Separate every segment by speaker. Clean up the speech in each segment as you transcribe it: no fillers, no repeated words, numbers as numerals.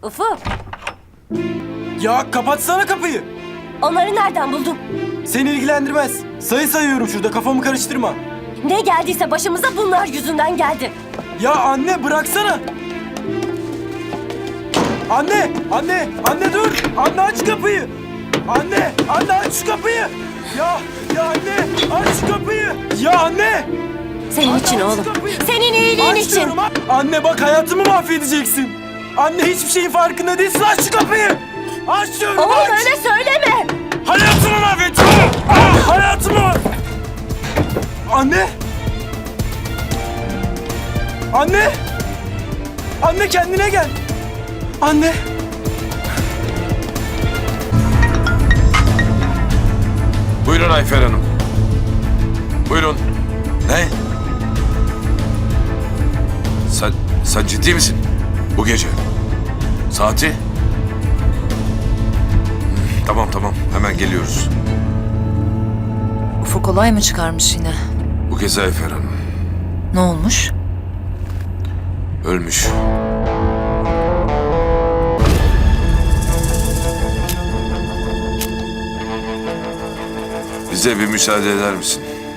Speaker 1: Ufuk,
Speaker 2: Ya kapatsana kapıyı.
Speaker 1: onları nereden buldun?
Speaker 2: Seni ilgilendirmez. Sayı sayıyorum şurada, kafamı karıştırma.
Speaker 1: Ne geldiyse başımıza bunlar yüzünden geldi.
Speaker 2: Ya anne bıraksana. Anne dur. Anne aç kapıyı. Anne aç şu kapıyı. Ya anne aç şu kapıyı. Ya anne.
Speaker 1: Senin için
Speaker 2: aç
Speaker 1: oğlum.
Speaker 2: şu kapıyı.
Speaker 1: Senin iyiliğin
Speaker 2: Aç
Speaker 1: için.
Speaker 2: diyorum, aç. Anne bak hayatımı mahvedeceksin. Anne hiçbir şeyin farkında değilsin. Aç şu kapıyı. Aç diyorum,
Speaker 1: Oğlum
Speaker 2: aç.
Speaker 1: öyle söyleme.
Speaker 2: Hayatımı mahvettin. Hayatımı. Anne. Anne kendine gel. Anne.
Speaker 3: Buyurun Ayfer Hanım. Buyurun. Ne? Sen ciddi misin? Bu gece. Saati? Tamam. Hemen geliyoruz.
Speaker 4: Ufuk olay mı çıkarmış yine?
Speaker 3: Bu kez Ayfer Hanım.
Speaker 4: Ne olmuş?
Speaker 3: Ölmüş. Bize bir müsaade eder misin?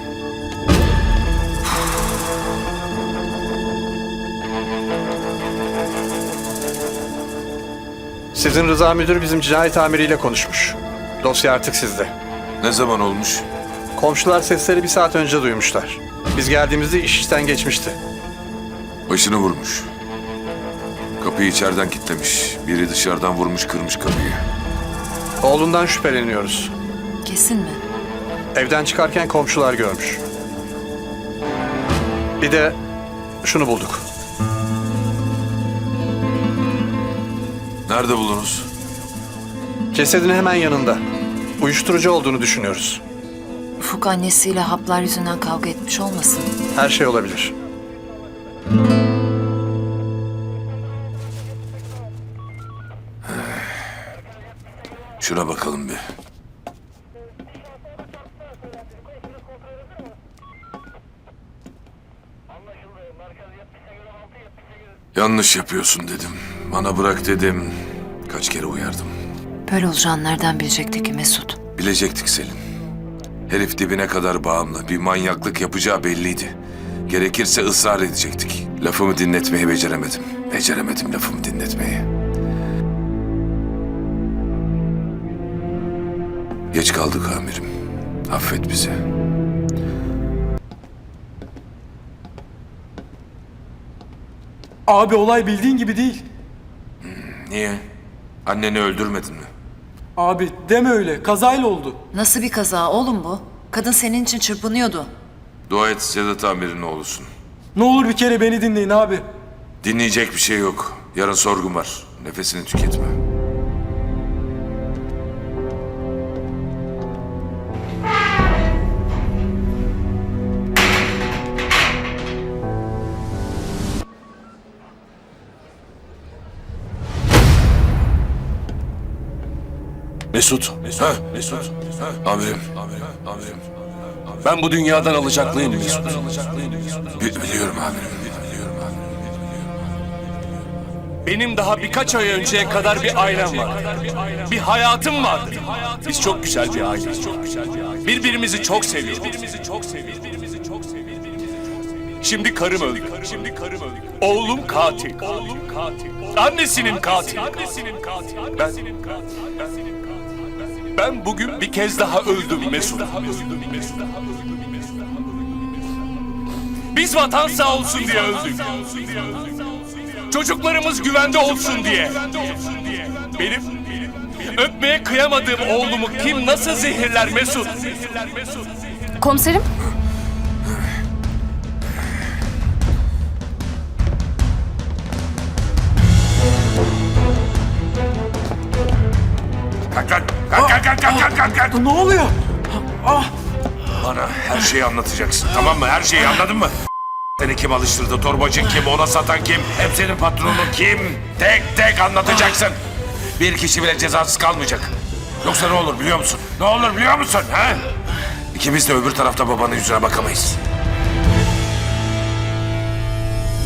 Speaker 5: Sizin Rıza Müdür bizim cinayet amiriyle konuşmuş. Dosya artık sizde.
Speaker 3: Ne zaman olmuş?
Speaker 5: Komşular sesleri 1 saat önce duymuşlar. Biz geldiğimizde iş işten geçmişti.
Speaker 3: Başını vurmuş. Kapıyı içeriden kilitlemiş. Biri dışarıdan vurmuş, kırmış kapıyı.
Speaker 5: Oğlundan şüpheleniyoruz.
Speaker 4: Kesin mi?
Speaker 5: Evden çıkarken komşular görmüş. Bir de şunu bulduk.
Speaker 3: Nerede buldunuz?
Speaker 5: Cesedin hemen yanında. Uyuşturucu olduğunu düşünüyoruz.
Speaker 4: Ufuk annesiyle haplar yüzünden kavga etmiş olmasın?
Speaker 5: Her şey olabilir.
Speaker 3: Şuna bakalım bir. Yanlış yapıyorsun dedim. Bana bırak dedim. Kaç kere uyardım.
Speaker 4: Böyle olacağını nereden bilecekti ki Mesut?
Speaker 3: Bilecektik Selin. Herif dibine kadar bağımlı. Bir manyaklık yapacağı belliydi. Gerekirse ısrar edecektik. Lafımı dinletmeyi beceremedim. Beceremedim lafımı dinletmeyi. Geç kaldık amirim. Affet bizi.
Speaker 2: Abi olay bildiğin gibi değil.
Speaker 3: Niye? Anneni öldürmedin mi?
Speaker 2: Abi deme öyle. Kazayla oldu.
Speaker 4: Nasıl bir kaza oğlum bu? Kadın senin için çırpınıyordu.
Speaker 3: Dua et Sedat amirin oğlusun.
Speaker 2: Ne olur bir kere beni dinleyin abi.
Speaker 3: Dinleyecek bir şey yok. Yarın sorgun var. Nefesini tüketme.
Speaker 6: Mesut.
Speaker 3: Amirim.
Speaker 6: Ben bu dünyadan alacaklıyım Mesut.
Speaker 3: Biliyorum amirim.
Speaker 6: Benim daha birkaç ay önceye kadar bir ailem var. Bir hayatım vardı. Biz çok güzel bir aileyiz. Birbirimizi çok seviyoruz. Şimdi karım öldü. Oğlum katil. Annesinin katili. Ben bugün bir kez daha öldüm Mesut. Biz vatan sağ olsun diye öldük. Çocuklarımız güvende olsun diye. Benim öpmeye kıyamadığım oğlumu kim nasıl zehirler Mesut?
Speaker 1: Komiserim.
Speaker 3: Kalk.
Speaker 2: Ne oluyor?
Speaker 3: Bana her şeyi anlatacaksın, tamam mı? Her şeyi, anladın mı? Seni kim alıştırdı, torbacı kim, ona satan kim, hep senin patronun kim? Tek tek anlatacaksın. Bir kişi bile cezasız kalmayacak. Yoksa ne olur biliyor musun? Ne olur biliyor musun? Ha? İkimiz de öbür tarafta babanın yüzüne bakamayız.